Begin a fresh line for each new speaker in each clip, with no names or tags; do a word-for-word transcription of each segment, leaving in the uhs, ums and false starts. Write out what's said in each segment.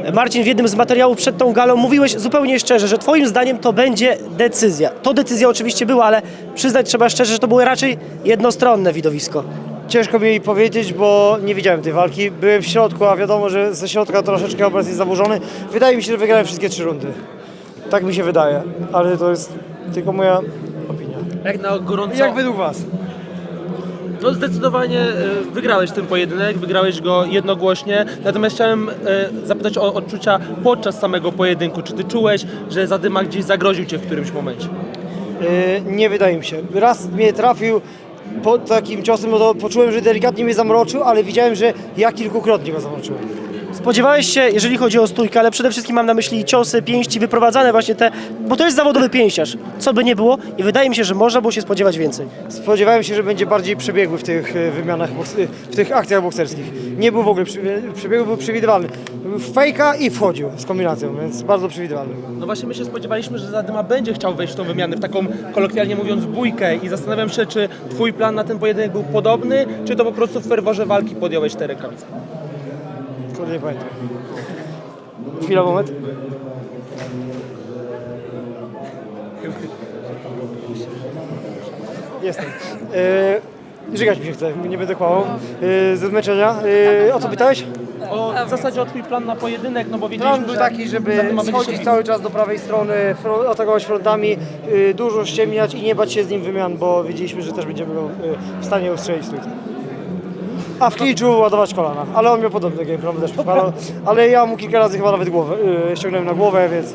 Marcin, w jednym z materiałów przed tą galą mówiłeś zupełnie szczerze, że twoim zdaniem to będzie decyzja. To decyzja oczywiście była, ale przyznać trzeba szczerze, że to było raczej jednostronne widowisko.
Ciężko mi powiedzieć, bo nie widziałem tej walki. Byłem w środku, a wiadomo, że ze środka troszeczkę obraz jest zaburzony. Wydaje mi się, że wygrałem wszystkie trzy rundy. Tak mi się wydaje, ale to jest tylko moja opinia.
Jak na gorąco...
Jak według was?
No zdecydowanie e, wygrałeś ten pojedynek, wygrałeś go jednogłośnie, natomiast chciałem e, zapytać o odczucia podczas samego pojedynku. Czy ty czułeś, że Zadyma gdzieś zagroził cię w którymś momencie?
Yy, nie wydaje mi się. Raz mnie trafił po takim ciosem, no to poczułem, że delikatnie mnie zamroczył, ale widziałem, że ja kilkukrotnie go zamroczyłem.
Spodziewałeś się, jeżeli chodzi o stójkę, ale przede wszystkim mam na myśli ciosy, pięści, wyprowadzane właśnie te, bo to jest zawodowy pięściarz, co by nie było i wydaje mi się, że można było się spodziewać więcej.
Spodziewałem się, że będzie bardziej przebiegły w tych e, wymianach, boks- e, w tych akcjach bokserskich. Nie był w ogóle przebie- przebiegły, był przewidywalny. Był w fejka i wchodził z kombinacją, więc bardzo przewidywalny.
No właśnie my się spodziewaliśmy, że Zadyma będzie chciał wejść w tą wymianę, w taką kolokwialnie mówiąc bójkę i zastanawiam się, czy twój plan na ten pojedynek był podobny, czy to po prostu w ferworze walki podjąłeś te rękawice.
Kurde, nie pamiętam. Chwila, moment. Jestem. Yy, żygać mi się chce, nie będę kłamał. Yy, ze zmęczenia. Yy, o co pytałeś?
O, w zasadzie o twój plan na pojedynek, no bo
Plan
wiedzieliśmy,
był
że
taki, żeby
Zadyma będzie się
schodzić
bił.
cały czas do prawej strony, fro- atakować frontami, yy, dużo ściemniać i nie bać się z nim wymian, bo wiedzieliśmy, że też będziemy go yy, w stanie ustrzelić stójce. A w klinczu ładować kolana, ale on miał podobny game plan, też przypadał, ale ja mu kilka razy chyba nawet głowę, yy, ściągnąłem na głowę, więc,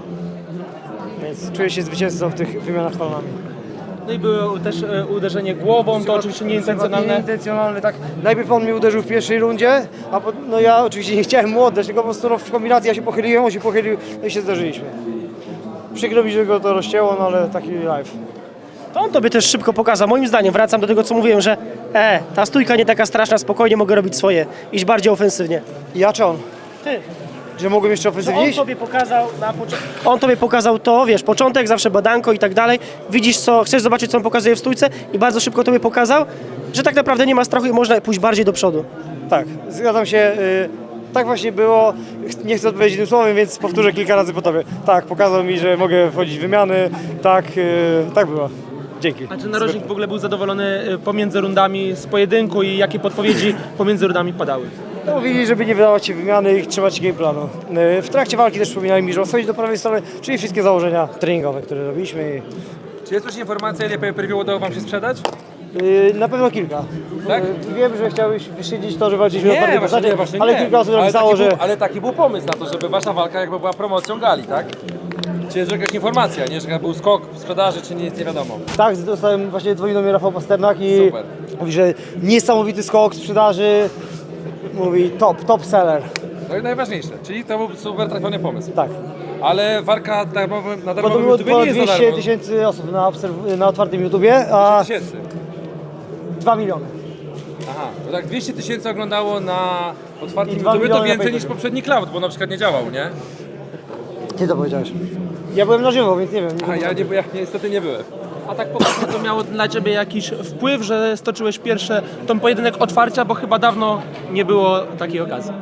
więc czuję się zwycięzcą w tych wymianach kolanami.
No i było też e, uderzenie głową, to oczywiście nieintencjonalne.
Nieintencjonalne, tak. Najpierw on mnie uderzył w pierwszej rundzie, a po, no ja oczywiście nie chciałem mu oddać, tylko po prostu no, w kombinacji ja się pochyliłem, on się pochylił, no i się zdarzyliśmy. Przykro mi, że go to rozcięło, no ale taki live.
To on tobie też szybko pokazał, moim zdaniem, wracam do tego, co mówiłem, że e, ta stójka nie taka straszna, spokojnie mogę robić swoje, iść bardziej ofensywnie.
Ja czy on?
Ty.
Że mogłem jeszcze
To
ofensywnie
on
iść?
tobie pokazał na początku. On tobie pokazał to, wiesz, początek, zawsze badanko i tak dalej. Widzisz co, chcesz zobaczyć, co on pokazuje w stójce i bardzo szybko tobie pokazał, że tak naprawdę nie ma strachu i można pójść bardziej do przodu.
Tak, zgadzam się. y, Tak właśnie było. Ch- Nie chcę odpowiedzieć tym słowem, więc powtórzę kilka razy po tobie. Tak, pokazał mi, że mogę wchodzić w wymiany. Tak, y, tak było. Dzięki.
A czy narożnik w ogóle był zadowolony e, pomiędzy rundami z pojedynku i jakie podpowiedzi pomiędzy rundami padały?
No, mówili, żeby nie wydawać się wymiany i trzymać się game planu. Y, W trakcie walki też wspominali mi, że schodzić do prawej strony, czyli wszystkie założenia treningowe, które robiliśmy.
Czy jest już informacja, ile pay-per-view udało wam się sprzedać?
Y, Na pewno kilka.
Tak?
Y, Wiem, że chciałeś wyszydzić to, że walczyliśmy na twardej
właśnie,
postaci,
nie, właśnie
ale
nie.
kilka osób
ale
napisało,
taki
że...
był, ale taki był pomysł na to, żeby wasza walka jakby była promocją gali, tak? Czy jest jakaś informacja, nie? Że był skok w sprzedaży, czy nie, jest nie wiadomo.
Tak, dostałem właśnie dzwonił do mnie Rafał Pasternak i
Super.
mówi, że niesamowity skok sprzedaży. Mówi top, top seller.
To jest najważniejsze, czyli to był super trafiony pomysł.
Tak.
Ale walka darmowy, na
Bo to
darmowym
było
YouTube nie
ponad
jest za
dwieście
darmo.
tysięcy osób na, obserw- na otwartym YouTubie, a
tysięcy.
dwa miliony.
Aha, to tak dwieście tysięcy oglądało na otwartym
I dwa
YouTube, to
miliony na
więcej niż
pay-per-view.
poprzedni cloud, bo na przykład nie działał, nie?
Ty to powiedziałeś. Ja byłem na żywo, więc nie wiem. Nie
A
wiem.
ja, nie, ja niestety nie byłem.
A tak poważnie to miało dla ciebie jakiś wpływ, że stoczyłeś pierwsze ten pojedynek otwarcia, bo chyba dawno nie było takiej okazji.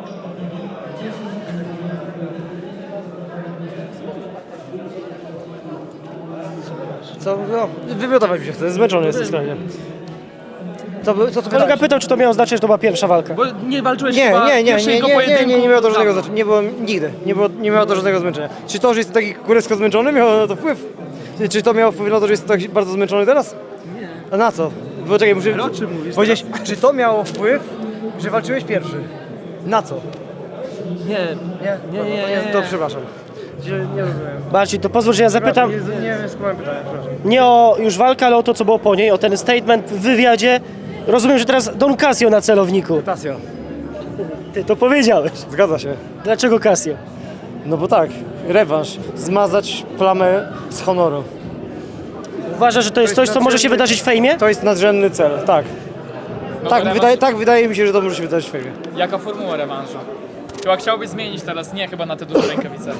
Co? No, wymiotować mi się chce, zmęczony jestem skrajnie. Co, by- co, co
Kolega
pytałeś?
pytał, czy to miało znaczyć, że to była pierwsza walka.
Bo nie walczyłeś
Nie,
chyba
nie, nie, nie,
pierwszego
nie, nie,
pojedynku.
nie, nie miało to żadnego
dawno.
znaczenia. Nie było nigdy. Nie, było, nie miało to żadnego zmęczenia. Czy to, że jestem taki kurewsko zmęczony, miało na to wpływ? Czy- Czy to miało wpływ na to, że jestem tak bardzo zmęczony teraz? Nie. A na co? Bo czekaj, muszę...
Ale o czym mówisz
Powiedzieć, czy to miało wpływ, że walczyłeś pierwszy? Na co?
Nie,
Nie?
Nie,
To-
nie,
to,
nie.
To przepraszam. Nie, nie rozumiem.
Marcin, to pozwól, że ja zapytam
Nie, nie wiem, skąd pytanie, przepraszam.
nie o już walkę, ale o to, co było po niej, o ten statement w wywiadzie. Rozumiem, że teraz Don Casio na celowniku.
Tasio.
Ty to powiedziałeś.
Zgadza się.
Dlaczego Casio?
No bo tak, rewanż. Zmazać plamę z honoru.
Uważasz, że to jest coś, co może się wydarzyć w fejmie?
To jest nadrzędny cel, tak.
No
Tak,
to
wydaje,
rewanż-
tak wydaje mi się, że to może się wydarzyć w fejmie.
Jaka formuła rewanżu? Chyba chciałbyś zmienić teraz, nie chyba na te duże rękawice.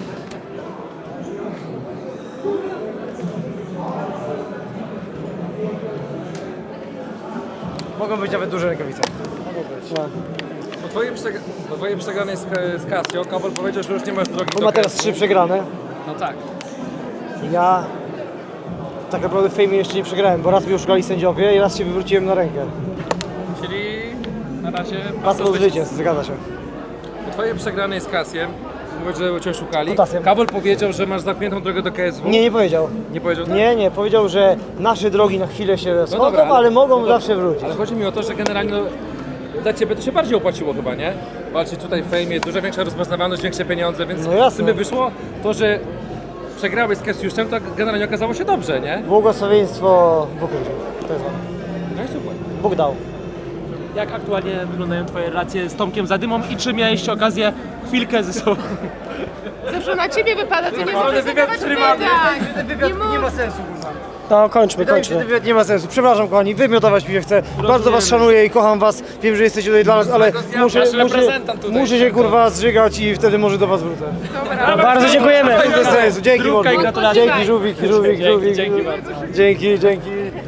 Mogą być nawet duże rękawice. Mogą być. No.
twojej, przeg- po twojej przegranej z, z Casio, Kabol powiedział, że już nie masz drogi
On
do
ma teraz
K S W.
trzy przegrane.
No tak.
Ja tak naprawdę w fejmie jeszcze nie przegrałem, bo raz mnie oszukali sędziowie i raz się wywróciłem na rękę.
Czyli na razie
Pasmo zwycięstw, zgadza się.
Po twojej przegranej z Casiem, mówisz, że cię oszukali,
Kutasem.
Kabol powiedział, że masz zamkniętą drogę do K S W.
Nie, nie powiedział.
Nie powiedział tak?
Nie, nie, powiedział, że nasze drogi na chwilę się schodzą,
dobra, ale-
ale mogą
no dobra.
zawsze wrócić.
Ale chodzi mi o to, że generalnie no, dla ciebie to się bardziej opłaciło chyba, nie? Walczyć tutaj w fejmie, dużo większa rozpoznawalność, większe pieniądze, więc
No jasne.
w sumie wyszło to, że przegrałeś z Kasiuszem, to generalnie okazało się dobrze, nie?
Błogosławieństwo w ukryciu. To jest on.
No i super.
Bóg dał.
Jak aktualnie wyglądają twoje relacje z Tomkiem Zadymą i czy miałeś okazję chwilkę ze sobą?
Zawsze na ciebie wypada, ty nie
naprawdę
możesz
wywiad
zadawać
prywatny.
pytań.
Wywiad
Nie
nie
mów.
ma sensu, kurwa.
No kończmy,
Wydaje mi się, że
kończmy.
wywiad nie ma sensu. Przepraszam, kochani, wymiotować mi się chce. Bardzo was szanuję i kocham was. Wiem, że jesteście tutaj dla nas, ale muszę,
Nasz
muszę,
reprezentant tutaj.
muszę się kurwa zżygać i wtedy może do was wrócę.
Dobra.
Bardzo dziękujemy.
Bez sensu. Dzięki,
Zdrówka i
mordo.
gratulacje.
Dzięki, żółwik, żółwik, żółwik.
dzięki bardzo.
Dzięki, dzięki.